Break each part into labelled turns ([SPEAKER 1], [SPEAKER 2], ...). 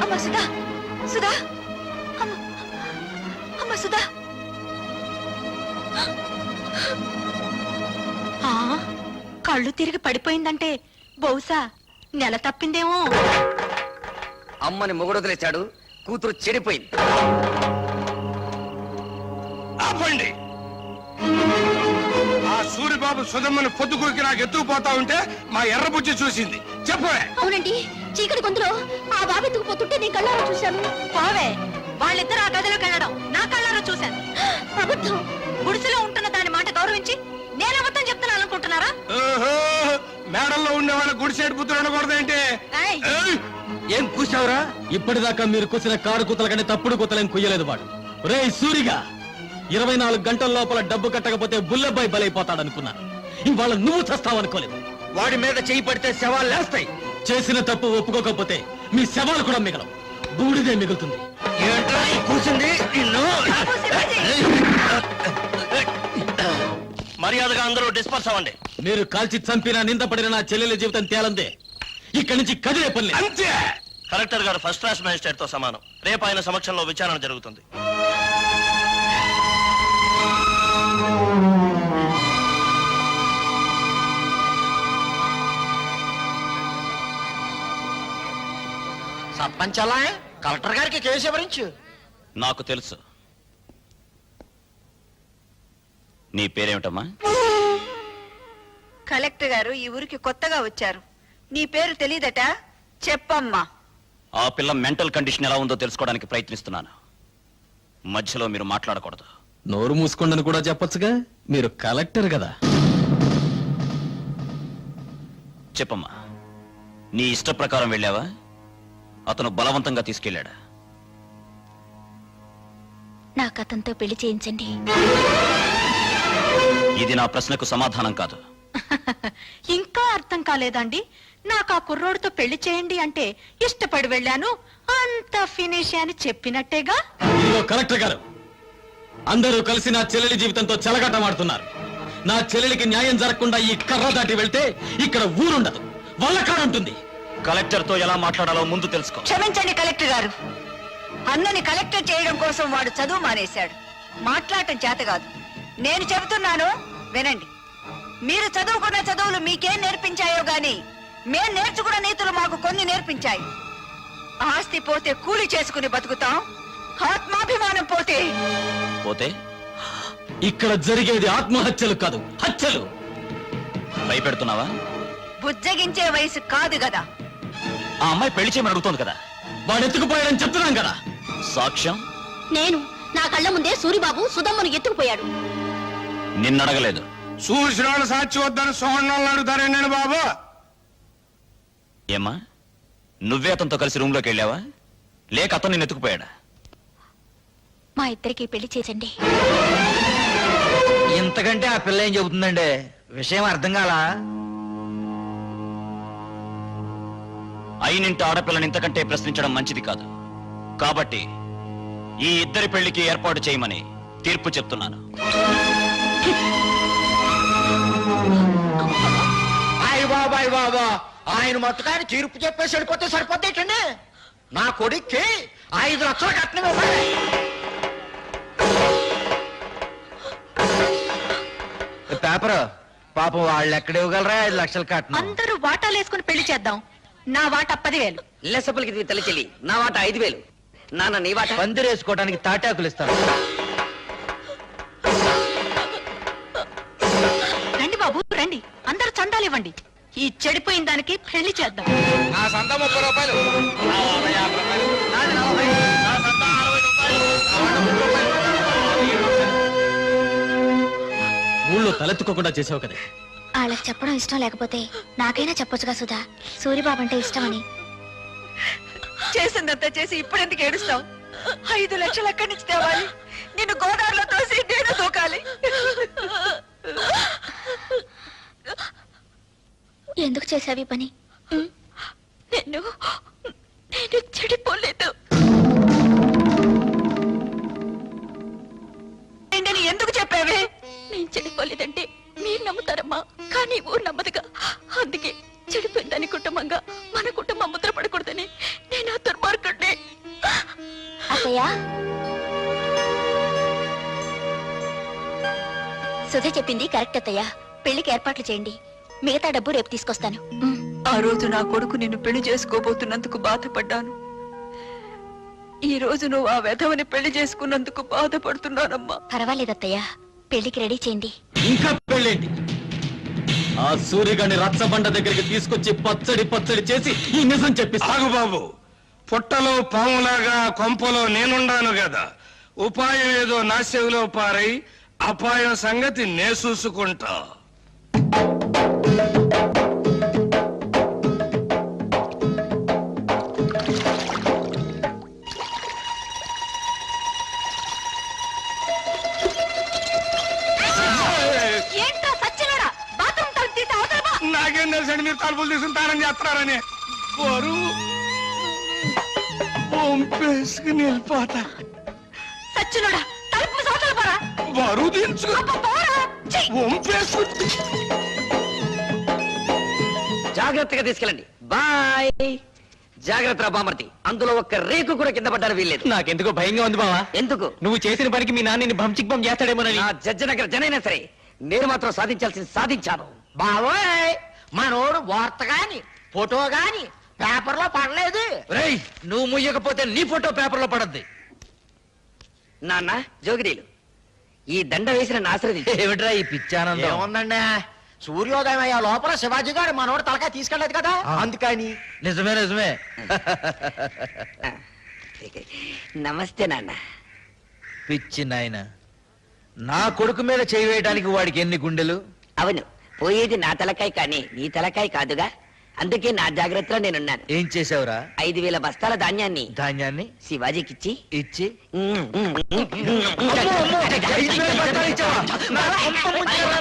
[SPEAKER 1] అమ్మ సుధా, సుధా, అమ్మ సుధా. కళ్ళు తిరిగి పడిపోయిందంటే బహుశా నెల తప్పిందేమో.
[SPEAKER 2] అమ్మని మొగుడు వదిలేశాడు, కూతురు చెడిపోయింది.
[SPEAKER 3] ఆపండి. ఆ సూరిబాబు సుధమ్మని పొద్దుకూరికి నాకు ఎత్తుకుపోతా ఉంటే మా ఎర్రబుజ్జి చూసింది. చెప్పవే.
[SPEAKER 1] అవునండి, చీకటి గొంతులో ఆ బాబు ఎత్తుకుపోతుంటే నేను కళ్ళారా చూశాను. పోవే, వాళ్ళిద్దరు ఆ గదిలోకి వెళ్ళడం నా కళ్ళారా చూశాను. అబద్ధం. గుడిసెలో ఉంటున్న దాని మాట గౌరవించి నేను అబద్ధం చెప్తున్నాను అనుకుంటున్నారా?
[SPEAKER 3] మేడల్లో ఉండే వాళ్ళ గుడిసేడు పుత్రుడు అనకూడదేంటి?
[SPEAKER 2] ఏం కూసావురా?
[SPEAKER 4] ఇప్పటిదాకా మీరు కూసిన కారు కూతల కంటే తప్పుడు కూతలేం కుయ్యలేదు వాడు. రే సూరిగా, 24 గంటల లోపల డబ్బు కట్టకపోతే బుల్లబ్బాయి బలైపోతాడనుకున్నా. ఇవాళ నువ్వు చస్తావనుకోలేదు.
[SPEAKER 2] వాడి మీద చేయి పడితే శవాలు లేస్తాయి.
[SPEAKER 4] చేసిన తప్పు ఒప్పుకోకపోతే మీ శవాలు కూడా మిగలవు, బూడిదే మిగులుతుంది.
[SPEAKER 2] ఏంట్రా కూసింది నిన్ను?
[SPEAKER 5] మర్యాదగా అందరూ డిస్పర్స్ అవ్వండి.
[SPEAKER 4] మీరు కాల్చి చంపినా నిందపడిన నా చెల్లెల జీవితం తేలందే. ఇక్కడి నుంచి కదిలే పని లేదు.
[SPEAKER 3] అంతే.
[SPEAKER 5] కలెక్టర్ గారు ఫస్ట్ క్లాస్ మేజిస్ట్రేట్ తో సమానం. రేపు ఆయన సమక్షంలో విచారణ జరుగుతుంది.
[SPEAKER 2] సర్పంచ్ అలా కలెక్టర్ గారికి కేసు వివరించు.
[SPEAKER 5] నాకు తెలుసు. నీ పేరేమిటమ్మా?
[SPEAKER 1] కలెక్టర్ గారు ఈ ఊరికి కొత్తగా వచ్చారు. నీ పేరు తెలీదట? చెప్పమ్మా.
[SPEAKER 5] ఆ పిల్ల మెంటల్ కండిషన్ ఎలా ఉందో తెలుసుకోవడానికి ప్రయత్నిస్తున్నాను. మధ్యలో మీరు మాట్లాడకూడదు.
[SPEAKER 4] నోరు మూసుకోండని కూడా చెప్పొచ్చుగా, మీరు కలెక్టర్ కదా.
[SPEAKER 5] చెప్పమ్మా, నీ ఇష్ట ప్రకారం వెళ్ళావా? అతను బలవంతంగా తీసుకెళ్ళాడా?
[SPEAKER 1] నాకు అతనితో పెళ్లి చేయించండి.
[SPEAKER 5] ఇది నా ప్రశ్నకు సమాధానం కాదు.
[SPEAKER 1] ఇంకా అర్థం కాలేదండి? నాకు ఆ కుర్రోడితో పెళ్లి చేయండి అంటే ఇష్టపడి వెళ్ళాను, అంత ఫినిష్ అని చెప్పినట్టేగా.
[SPEAKER 4] ఇదిగో కలెక్టర్ గారు, అందరూ కలిసి నా చెల్లెలి జీవితంతో చెలగాటమాడుతున్నారు. నా చెల్లెలికి న్యాయం జరగకుండా ఈ కర్ర దాటి వెళ్తే ఇక్కడ ఊరుండదు, వల్లకాడుంటుంది.
[SPEAKER 5] కలెక్టర్ తో ఎలా మాట్లాడాలో ముందు తెలుసుకో.
[SPEAKER 1] క్షమించండి కలెక్టర్ గారు, అన్నని కలెక్టర్ చేయడం కోసం వాడు చదువు మానేశాడు. మాట్లాడటం చేత కాదు. నేను చెబుతున్నాను వినండి. మీరు చదువుకున్న చదువులు మీకేం నేర్పించాయో గాని మేం నేర్చుకున్న నీతులు మాకు కొన్ని నేర్పించాయి. ఆస్తి పోతే కూలి చేసుకుని బతుకుతాం, ఆత్మాభిమానం పోతే
[SPEAKER 5] పోతే
[SPEAKER 4] ఇక్కడ జరిగేది ఆత్మహత్యలు కాదు, హత్యలు.
[SPEAKER 5] భయపెడుతున్నావా?
[SPEAKER 1] బుజ్జగించే వయసు కాదు కదా.
[SPEAKER 5] ఆ అమ్మాయి పెళ్లి చేయమని అడుగుతోంది కదా.
[SPEAKER 4] వాడు ఎత్తుకుపోయాడని చెప్తున్నాం కదా.
[SPEAKER 5] సాక్ష్యం?
[SPEAKER 1] నేను నా కళ్ళ ముందే సూరిబాబు సుధమ్మను ఎత్తుకుపోయాడు.
[SPEAKER 5] నిన్నడగలేదు.
[SPEAKER 3] చూసిన వాళ్ళు సాక్షి వద్దని సోహన్నాళ్ళు అడుగుతారేండి బాబు?
[SPEAKER 5] ఏమ్మా, నువ్వే అతనితో కలిసి రూమ్ లోకి వెళ్ళావా, లేక అతను నిన్ను ఎత్తుకుపోయాడా?
[SPEAKER 1] మా ఇద్దరికి పెళ్లి చేసండి.
[SPEAKER 2] ఇంతకంటే ఆ పిల్ల ఏం చెబుతుందండి? విషయం అర్థం కాలా?
[SPEAKER 5] అయినింటి ఆడపిల్లని ఇంతకంటే ప్రశ్నించడం మంచిది కాదు. కాబట్టి ఈ ఇద్దరి పెళ్లికి ఏర్పాటు చేయమని తీర్పు చెప్తున్నాను.
[SPEAKER 2] బాబాయ్ బాబా, ఆయన మట్టుకాయన తీర్పు చెప్పేసి వెళ్ళిపోతే సరిపోతేటండి. నా కొడుక్కి 5 లక్షలు కట్నం ఇవ్వాలి. పేపర్ పాపం వాళ్ళు ఎక్కడ ఇవ్వగలరా 5 లక్షలు కట్నం?
[SPEAKER 1] అందరూ వాటాలు వేసుకుని పెళ్లి చేద్దాం. నా వాట 10,000.
[SPEAKER 2] లెసపలికి తల్లి చెల్లి, నా వాట 5,000. నాన్న నీ వాట? పందిరేసుకోవడానికి తాటాకులు ఇస్తాను.
[SPEAKER 1] రండి బాబు రండి, అందరూ చందాలు ఇవ్వండి. ఈ చెడిపోయిన దానికి పెళ్లి చేద్దాం.
[SPEAKER 3] నా సంత 30 రూపాయలు.
[SPEAKER 4] ఊళ్ళో తలెత్తుకోకుండా చేసావు కదా.
[SPEAKER 6] వాళ్ళకి చెప్పడం ఇష్టం లేకపోతే నాకైనా చెప్పొచ్చుగా సుధా, సూరిబాబు అంటే ఇష్టమని.
[SPEAKER 1] చేసిందంతా చేసి ఇప్పుడు ఎందుకు ఏడుస్తావు? 5 లక్షలు ఎక్కడి నుంచి తేవాలి? నిన్ను గోదావరిలో తోసి నేను దూకాలి.
[SPEAKER 6] ఎందుకు చేసావి పని?
[SPEAKER 1] నేను చెడిపోలేదు. ఎందుకు చెప్పావే? నేను చెడిపోలేదంటే మీరు నమ్ముతారమ్మా, కానీ ఊరు నమ్మదుగా. అందుకే చెడిపోయిందని కుటుంబంగా మన కుటుంబం ముద్ర పడకూడదని నేను ఆ దుర్మార్గుడిని
[SPEAKER 6] అత్తయ్య సుధ చెప్పింది కరెక్ట్ అత్తయ్య. పెళ్లికి ఏర్పాట్లు చేయండి, మిగతా డబ్బు రేపు తీసుకొస్తాను.
[SPEAKER 1] ఆ రోజు నా కొడుకు నిన్ను పెళ్లి చేసుకోబోతున్నందుకు బాధపడ్డాను. ఈ రోజు నువ్వు ఆ వెధవని పెళ్లి చేసుకున్నందుకు బాధపడుతున్నానమ్మా.
[SPEAKER 6] పర్వాలేదు అత్తయ్య, పెళ్లికి రెడీ చేయండి.
[SPEAKER 4] ఇంకా పెళ్ళేంటి? ఆ సూర్యగాని రచ్చబండ దగ్గరికి తీసుకొచ్చి పచ్చడి పచ్చడి చేసి ఈ నిజం చెప్పిస్తా.
[SPEAKER 3] ఆగు బాబు, పుట్టలో పాములాగా కొంపలో నేనుండాను కదా, ఉపాయం ఏదో నా చెవిలో పారై అపాయం సంగతి నే చూసుకుంటా.
[SPEAKER 1] ఏంటో సచ్చినోడా, బాత్రూమ్ తలుపు తీసి అవతల పో.
[SPEAKER 3] నాకేం తెలుసండి మీరు తలుపులు తీసుకుంటారని చేస్తున్నారని. బరువు పంపేసుకుని వెళ్ళిపోతా.
[SPEAKER 1] సచ్చినోడా, తలుపు మూసి అవతల పోరా.
[SPEAKER 3] బరువు దించు
[SPEAKER 1] అబ్బా, పోరా. ఛీ!
[SPEAKER 3] వంపేసుకుంటే
[SPEAKER 2] జాగ్రత్తగా తీసుకెళ్ళండి. బాయ్. జాగ్రత్త బామర్తి, అందులో ఒక్క రేకు కూడా కింద పడ్డారు వీల్లేదు.
[SPEAKER 4] నాకెందుకో భయంగా ఉంది బావా.
[SPEAKER 2] ఎందుకు?
[SPEAKER 4] నువ్వు చేసిన పనికి మీ నాన్నని బంచిక్ బం చేస్తాడేమోనని.
[SPEAKER 2] నా జడ్జనగర జనైనా సరే నేను మాత్రం సాధించాల్సింది సాధించాను. బావోయ్, మనోడు వార్త గాని ఫోటో గాని పేపర్ లో పడలేదు. రేయ్, నువ్వు ముయ్యకపోతే నీ ఫోటో పేపర్ లో పడద్ది. నాన్న జోగిరీలు, ఈ దండ వేసిన ఆశ్రది ఏమిట్రా ఈ పిచ్చానందం? ఏముందండి, సూర్యోదయం అయ్యే లోపల శివాజీ గారు మనోడు తలకాయ తీసుకెళ్లేదు కదా, అందుకని. నిజమే నిజమే. నమస్తే నాన్న.
[SPEAKER 7] పిచ్చి నాయన, నా కొడుకు మీద చేయి వేయడానికి వాడికి ఎన్ని గుండెలు?
[SPEAKER 2] అవును, పోయేది నా తలకాయ కానీ నీ తలకాయ కాదుగా, అందుకే నా జాగ్రత్తలో నేనున్నాను.
[SPEAKER 7] ఏం చేసావురా?
[SPEAKER 2] 5,000 బస్తాల ధాన్యాన్ని
[SPEAKER 7] ధాన్యాన్ని
[SPEAKER 2] శివాజీకిచ్చి
[SPEAKER 7] ఇచ్చి
[SPEAKER 2] 5,000 బస్తాలు ఇచ్చావా? నా కొంప ముంచావా?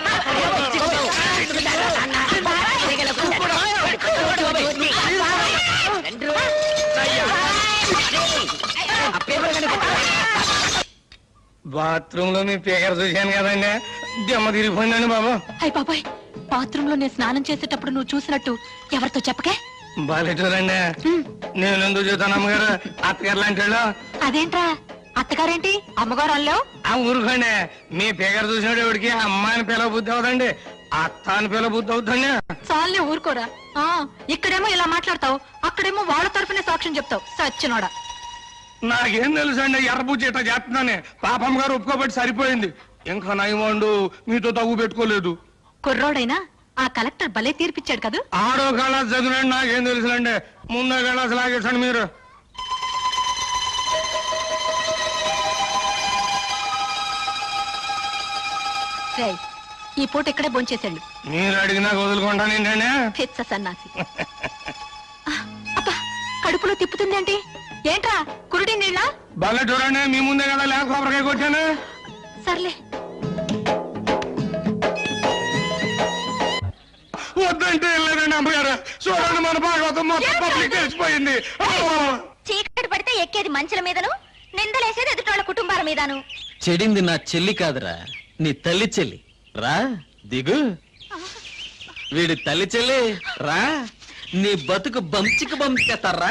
[SPEAKER 3] బాత్రూమ్ లో మీ పేకర చూశాను కదండి, దెమ్మ తిరిగిపోయిందండి బాబు.
[SPEAKER 1] అయ్ బాబాయ్, బాత్రూమ్ లో నేను స్నానం చేసేటప్పుడు నువ్వు చూసినట్టు ఎవరితో చెప్పకే.
[SPEAKER 3] బాలేటూరండి, నేను ఎందుకు చూస్తాను అమ్మగారు, అత్తగారు లాంటి వాళ్ళు.
[SPEAKER 1] అదేంట్రా, అత్తగారేంటి అమ్మగారు అల్లావు?
[SPEAKER 3] ఆ ఊరుకోండి, మీ పేకర చూసినప్పుడు ఎవరికి అమ్మాయిని పిల్ల బుద్ధి అవుదండి, అత్త అని పిల్ల బుద్ధి అవుతుంది.
[SPEAKER 1] చాలే ఊరుకోరా. ఇక్కడేమో ఇలా మాట్లాడతావు, అక్కడేమో వాళ్ళ తరపునే సాక్ష్యం చెప్తావు. సచ్చినోడా.
[SPEAKER 3] నాకేం తెలుసు అండి, ఎర్రబుజ్జి ఇట్లా చేస్తున్నానే, పాపం గారు ఒప్పుకోబట్టి సరిపోయింది. ఇంకా నయమండు మీతో తగ్గు పెట్టుకోలేదు.
[SPEAKER 1] కుర్రోడైనా ఆ కలెక్టర్ భలే తీర్పిచ్చాడు కదా.
[SPEAKER 3] ఆడో కళాస్ చదివినండి, నాకేం తెలుసులండి, ముందో కళాస్ లాగేసండి మీరు.
[SPEAKER 1] రేయ్, ఈ పూట ఇక్కడే భోంచేసాడు.
[SPEAKER 3] మీరు అడిగినా వదులుకుంటాను ఏంటండి.
[SPEAKER 1] పిచ్చ సన్నాసి. అబ్బా, కడుపులో తిప్పుతుందేంటి? ఏంట్రా కురుడి నీళ్ళ?
[SPEAKER 3] భలే చూడండి, మీ ముందే కదా లేక కొబ్బరికాయ కొట్టాను.
[SPEAKER 1] సర్లే.
[SPEAKER 3] వద్దంటే వెళ్ళలేదండి అమ్మగారు, చూడండి మన భాగవతం మొత్తం పబ్లిక్ తెలిసిపోయింది.
[SPEAKER 6] చీకటి పడితే ఎక్కేది మంచుల మీదను, నిందలేసేది ఎదుటోళ్ళ కుటుంబాల మీదను.
[SPEAKER 4] చెడింది నా చెల్లి కాదురా, నీ తల్లి చెల్లి. రా దిగు. వీడి తల్లి చెల్లి రా, నీ బతుకు బంచికి బంచేస్తారా.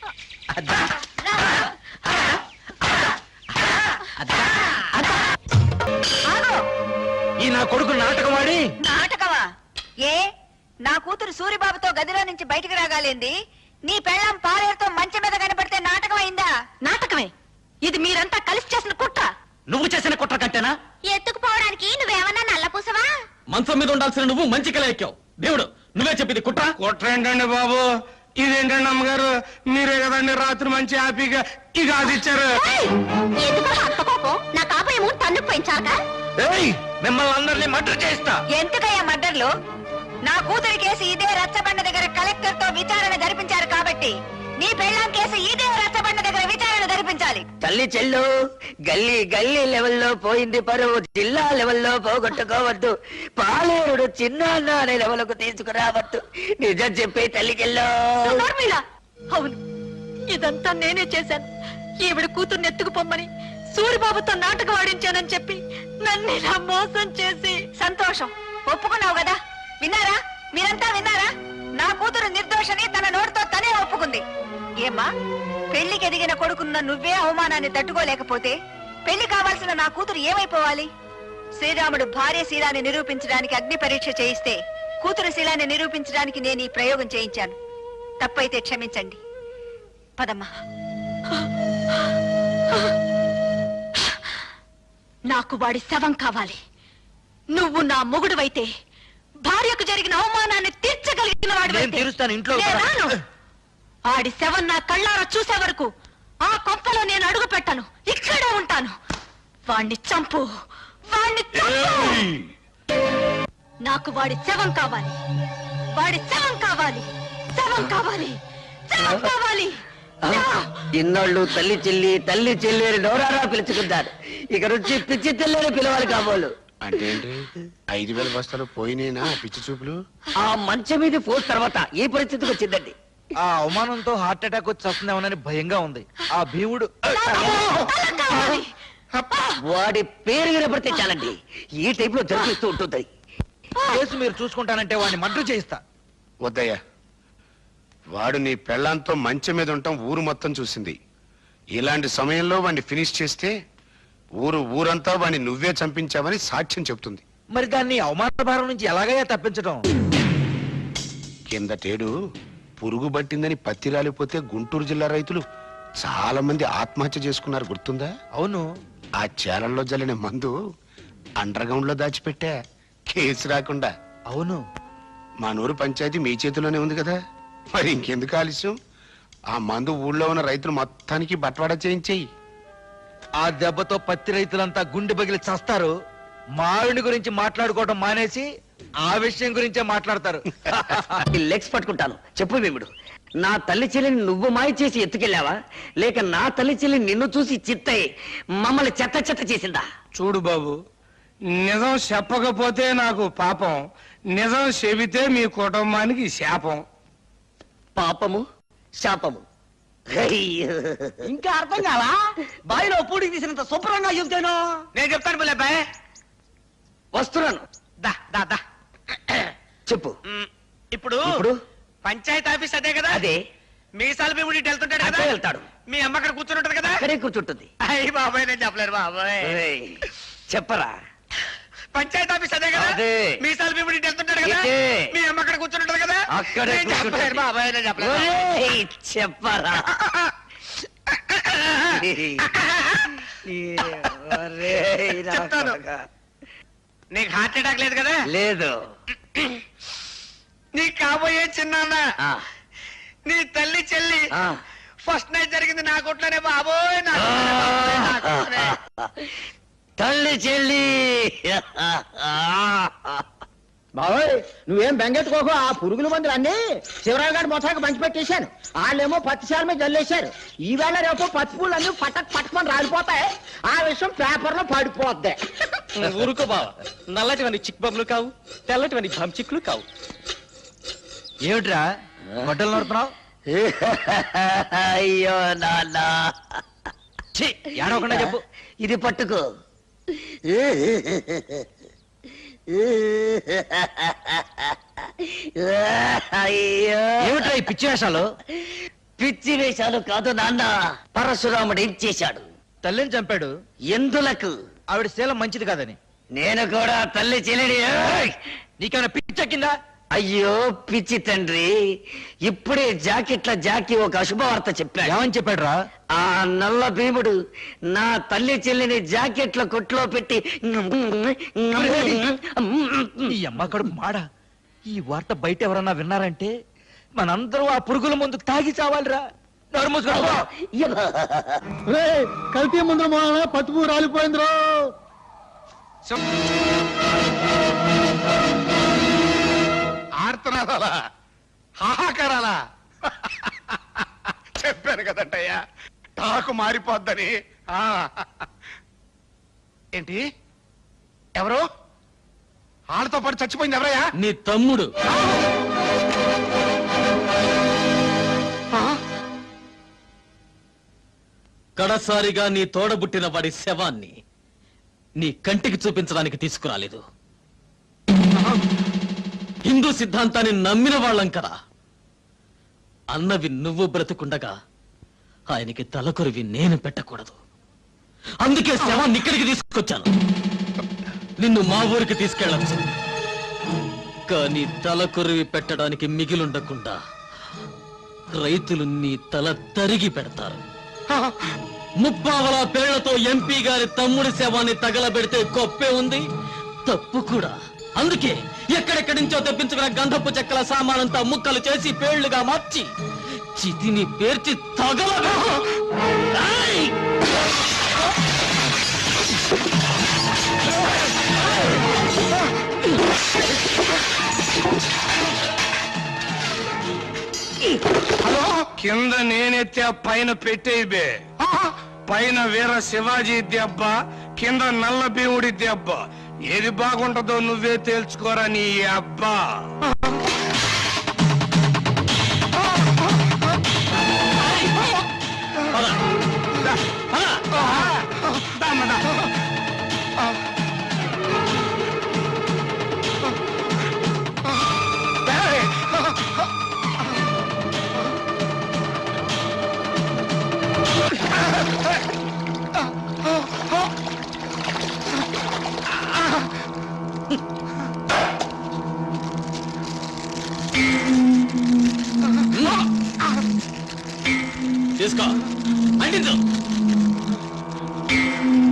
[SPEAKER 7] ఈ నా కొడుకు నాటకవాడి.
[SPEAKER 1] నాటకమా? ఏ, నా కూతురు సూరిబాబుతో గదిలో నుంచి బయటికి రాగాలేంది, నీ పెళ్ళం పాలేరుతో మంచం మీద కనపడితే నాటకం అయిందా? నాటకమే. ఇది మీరంతా కలిసి చేసిన కుట్ర.
[SPEAKER 2] నువ్వు చేసిన కుట్ర కంటేనా?
[SPEAKER 6] ఎత్తుకుపోవడానికి నువ్వేమన్నా నల్లపూసవా?
[SPEAKER 4] మంచం మీద ఉండాల్సిన నువ్వు మంచికలా ఎక్కావు. దేవుడు నువ్వే చెప్పింది కుట్ర.
[SPEAKER 3] కుట్ర ఏంటండి బాబు, ఇదేంటండి అమ్మగారు, మీరే కదండి రాత్రి మంచి హ్యాపీగా ఈ గాజు ఇచ్చారు.
[SPEAKER 6] ఎందుకో అంత కోపం? నా కాపేమో తన్నుకు పెంచాక.
[SPEAKER 7] ఏయ్, మిమ్మల్ని అందరినీ మర్డర్ చేస్తా.
[SPEAKER 1] ఎందుకయ్యా మర్డర్లు? నా కూతురి కేసు ఇదే రచ్చబండ దగ్గర కలెక్టర్ తో విచారణ జరిపించారు కాబట్టి నీ పెళ్ళాం కేసు ఇదే రచ్చబండ దగ్గర విచారణ జరిపించాలి.
[SPEAKER 2] తల్లి చెల్లు, గల్లీ గల్లీ లెవెల్లో పోయింది పరువు, జిల్లా లెవెల్లో పోగొట్టుకోవద్దు, పాలేరుడు చిన్న అనే లెవెల్కు తీసుకురావద్దు. నిజం చెప్పే తల్లి చెల్లు.
[SPEAKER 1] నోర్మిలా. అవును, ఇదంతా నేనే చేశాను. ఈవిడ కూతుర్ని ఎత్తుకుపోమ్మని సూరిబాబుతో నాటకం ఆడించానని చెప్పి నన్ను ఇలా మోసం చేసి. సంతోషం, ఒప్పుకున్నావు కదా. విన్నారా, మీరంతా విన్నారా? నా కూతురు నిర్దోషని తన నోటితో తనే ఒప్పుకుంది. ఏమ్మా, పెళ్లికి ఎదిగిన కొడుకున్న నువ్వే అవమానాన్ని తట్టుకోలేకపోతే పెళ్లి కావాల్సిన నా కూతురు ఏమైపోవాలి? శ్రీరాముడు భార్య శీలాన్ని నిరూపించడానికి అగ్ని పరీక్ష చేయిస్తే కూతురు శీలాన్ని నిరూపించడానికి నేను ఈ ప్రయోగం చేయించాను. తప్పైతే క్షమించండి. పదమ్మా. నాకు వాడి శవం కావాలి. నువ్వు నా మొగుడువైతే భార్యకు జరిగిన అవమానాన్ని తీర్చగలిగిన
[SPEAKER 7] నేను తీరుస్తాను, ఇంట్లో
[SPEAKER 1] వాడు. ఆడి శవం నా కళ్ళారా చూసే వరకు ఆ కొంపలో నేను అడుగు పెట్టను. ఇక్కడే ఉంటాను. వాణ్ణి చంపు, వాణ్ణి చంపు. నాకు వాడి శవం కావాలి. వాడి శవం కావాలి. శవం కావాలి. శవం కావాలి.
[SPEAKER 2] ఇన్నాళ్ళు తల్లి చెల్లి అని నోరారా పిలుచుకుంటారు. ఇక నుంచి పిచ్చి తెల్లని పిలవాలి కాబోలు.
[SPEAKER 8] అంటే ఏంటి? 5,000 బస్తాలు పోయినేనా పిచ్చి చూపులు?
[SPEAKER 2] ఆ మంచం మీద పోస్ తర్వాత ఈ పరిస్థితికి వచ్చిందండి.
[SPEAKER 7] ఆ అవమానంతో హార్ట్ అటాక్ వచ్చి వస్తుందేమోనని భయంగా ఉంది. ఆ భీముడు
[SPEAKER 1] కావాలి.
[SPEAKER 2] వాడి పేరు వినపడితే చాలండి, ఈ టైప్ లో జరిపిస్తూ ఉంటుంది.
[SPEAKER 7] కేసు మీరు చూసుకుంటానంటే వాడిని మర్డర్ చేయిస్తా.
[SPEAKER 8] వద్దయ్యా, వాడు నీ పెళ్ళాంతో మంచం మీద ఉండటం ఊరు మొత్తం చూసింది. ఇలాంటి సమయంలో వాడిని ఫినిష్ చేస్తే ఊరంతా వాడిని నువ్వే చంపించావని సాక్ష్యం చెప్తుంది.
[SPEAKER 7] మరి దాన్ని అవమాన భారం నుంచి ఎలాగయ్యా తప్పించడం?
[SPEAKER 8] కిందటేడు పురుగు పట్టిందని పత్తి రాలిపోతే గుంటూరు జిల్లా రైతులు చాలా మంది ఆత్మహత్య చేసుకున్నారు, గుర్తుందా?
[SPEAKER 7] అవును.
[SPEAKER 8] ఆ చేలల్లో జల్లిన మందు అండర్ గ్రౌండ్ లో దాచిపెట్టా, కేసు రాకుండా.
[SPEAKER 7] అవును.
[SPEAKER 8] మా నూరు పంచాయతీ మీ చేతిలోనే ఉంది కదా, మరి ఇంకెందుకు ఆలస్యం? ఆ మందు ఊళ్ళో ఉన్న రైతులు మొత్తానికి బట్వాడా చేయించేయి.
[SPEAKER 7] ఆ దెబ్బతో పత్తి రైతులంతా గుండె పగిలి చస్తారు. మావిడి గురించి మాట్లాడుకోవడం మానేసి ఆ విషయం గురించే మాట్లాడతారు.
[SPEAKER 2] ఈ లెగ్స్ పట్టుకుంటాను. చెప్పు భీముడు, నా తల్లి చెల్లిని నువ్వు మాయ చేసి ఎత్తుకెళ్ళావా, లేక నా తల్లి చెల్లి నిన్ను చూసి చిత్తయి మమ్మల్ని చెత్త చెత్త చేసిందా?
[SPEAKER 3] చూడు బాబు, నిజం చెప్పకపోతే నాకు పాపం, నిజం చెబితే మీ కుటుంబానికి శాపం.
[SPEAKER 2] పాపము శాపము ఇంకా అర్థం కావా? బావిలో పూడికి తీసినంత శుభ్రంగా చెబుతాను.
[SPEAKER 7] నేను చెప్తాను పిల్లబ్బాయ్.
[SPEAKER 2] వస్తున్నాను.
[SPEAKER 7] దా దా దా.
[SPEAKER 2] చెప్పు.
[SPEAKER 7] ఇప్పుడు
[SPEAKER 2] ఇప్పుడు
[SPEAKER 7] పంచాయతీ ఆఫీస్ అదే కదా?
[SPEAKER 2] అదే.
[SPEAKER 7] మీసాల భీముడి వెళ్తుంటాడు కదా?
[SPEAKER 2] అక్కడే వెళ్తాడు.
[SPEAKER 7] మీ అమ్మ అక్కడ కూర్చుని ఉంటది కదా?
[SPEAKER 2] అక్కడే కూర్చుంటుంది.
[SPEAKER 7] అయ్యి బాబాయ్, నేను చెప్పలేరు బాబాయ్.
[SPEAKER 2] ఏయ్, చెప్పరా.
[SPEAKER 7] పంచాయతీ ఆఫీస్ అదే కదా?
[SPEAKER 2] అదే.
[SPEAKER 7] మీసాల భీముడి వెళ్తుంటాడు కదా?
[SPEAKER 2] ఇదే.
[SPEAKER 7] మీ అమ్మ అక్కడ కూర్చుని ఉంటది కదా?
[SPEAKER 2] అక్కడే
[SPEAKER 7] నేను
[SPEAKER 2] కూర్చుంటుంది.
[SPEAKER 7] చెప్పలేరు బాబాయ్, నేను చెప్పలేరు.
[SPEAKER 2] ఒరేయ్, చెప్పరా. ఒరేయ్, నా
[SPEAKER 7] చెప్తాను.
[SPEAKER 2] కొడకా.
[SPEAKER 7] నీకు హార్ట్ అటాక్ లేదు కదా?
[SPEAKER 2] లేదు.
[SPEAKER 7] నీ కాబోయే చిన్నాన్న,
[SPEAKER 2] ఆ,
[SPEAKER 7] నీ తల్లి చెల్లి
[SPEAKER 2] ఆ.
[SPEAKER 7] ఫస్ట్ నైట్ జరిగింది నా కొట్లోనే బాబోయ్. నా కొట్లోనే బాబోయ్, నా కొట్లోనే.
[SPEAKER 2] తల్లి చెల్లి.
[SPEAKER 9] బాబోయ్, నువ్వేం బెంగెట్టుకోకు. ఆ పురుగుల మందులు అన్ని శివరావు గారి మొత్తానికి పంచి పెట్టేశాను. వాళ్ళేమో పత్తిశాల మీద జల్లేశారు. ఈవేళ రేపు పత్తి పూలు అన్ని పట్టమని రాలిపోతాయి. ఆ విషయం పేపర్ లో పడిపోద్ది.
[SPEAKER 4] ఊరుకో బావ, నల్లటివని చిక్ బొమ్మలు కావు, తెల్లటివని చిక్కులు కావు.
[SPEAKER 7] ఏమిట్రా గొడ్డలు నడుపుతున్నావు?
[SPEAKER 2] అయ్యో నాన్న,
[SPEAKER 7] ఏడవకుండా చెప్పు.
[SPEAKER 2] ఇది పట్టుకో. అయ్యో,
[SPEAKER 7] ఏమిట్రా ఈ పిచ్చి వేషాలు?
[SPEAKER 2] పిచ్చి వేషాలు కాదు నాన్న. పరశురాముడు ఏం చేశాడు?
[SPEAKER 7] తల్లిని చంపాడు.
[SPEAKER 2] ఎందులకు?
[SPEAKER 7] ఆవిడ శీలం మంచిది కాదని.
[SPEAKER 2] నేను కూడా తల్లి చెల్లిని. ఏయ్!
[SPEAKER 7] నీకేమైనా పిచ్చెక్కిందా?
[SPEAKER 2] అయ్యో పిచ్చి తండ్రి, ఇప్పుడే జాకీ ఒక అశుభవార్త చెప్పాడు.
[SPEAKER 7] ఏమని చెప్పాడురా?
[SPEAKER 2] ఆ నల్ల భీముడు నా తల్లి చెల్లిని జాకెట్ల కొట్లో పెట్టి
[SPEAKER 7] ఈ అమ్మ కడుపు మాడ. ఈ వార్త బయట ఎవరన్నా విన్నారంటే మనందరూ ఆ పురుగుల ముందు తాగి చావాలిరా. నోరు మూసుకో.
[SPEAKER 9] కల్తీ ముందు పత్తి పువ్వు రాలిపోయిందిరో.
[SPEAKER 8] ఆర్తనాదాలా, హాహాకారాలా? చెప్పాను కదంటయ్యా, టాకు మారిపోద్దని. ఆ. ఏంటి? ఎవరు? వాళ్ళతో పాటు చచ్చిపోయింది ఎవరయ్యా?
[SPEAKER 4] నీ తమ్ముడు. కడసారిగా నీ తోడబుట్టిన వాడి శవాన్ని నీ కంటికి చూపించడానికి తీసుకురాలేదు. హిందూ సిద్ధాంతాన్ని నమ్మిన వాళ్ళం కదా. అన్నవి నువ్వు బ్రతుకుండగా ఆయనకి తలకొరివి నేను పెట్టకూడదు. అందుకే శవాన్ని ఇక్కడికి తీసుకొచ్చాను. నిన్ను మా ఊరికి తీసుకెళ్ళచ్చు, కానీ తలకొరివి పెట్టడానికి మిగిలుండకుండా రైతులు నీ తల తరిగి పెడతారు. ముప్పావల పేళ్లతో ఎంపీ గారి తమ్ముడి శవాన్ని తగలబెడితే గొప్పే ఉంది, తప్పు కూడా. అందుకే ఎక్కడెక్కడి నుంచో తెప్పించుకున్న గంధపు చెక్కల సామానంతా ముక్కలు చేసి పేళ్లుగా మార్చి చితిని పేర్చి తగలబెట్టు. ఏయ్!
[SPEAKER 3] కింద నేనెత్తే పైన పెట్టేబే. పైన వీర శివాజీ దెబ్బ, కింద నల్ల భీముడి దెబ్బ. ఏది బాగుంటుందో నువ్వే తేల్చుకోరా నీ అబ్బా.
[SPEAKER 4] తీసుకో, అంటించు.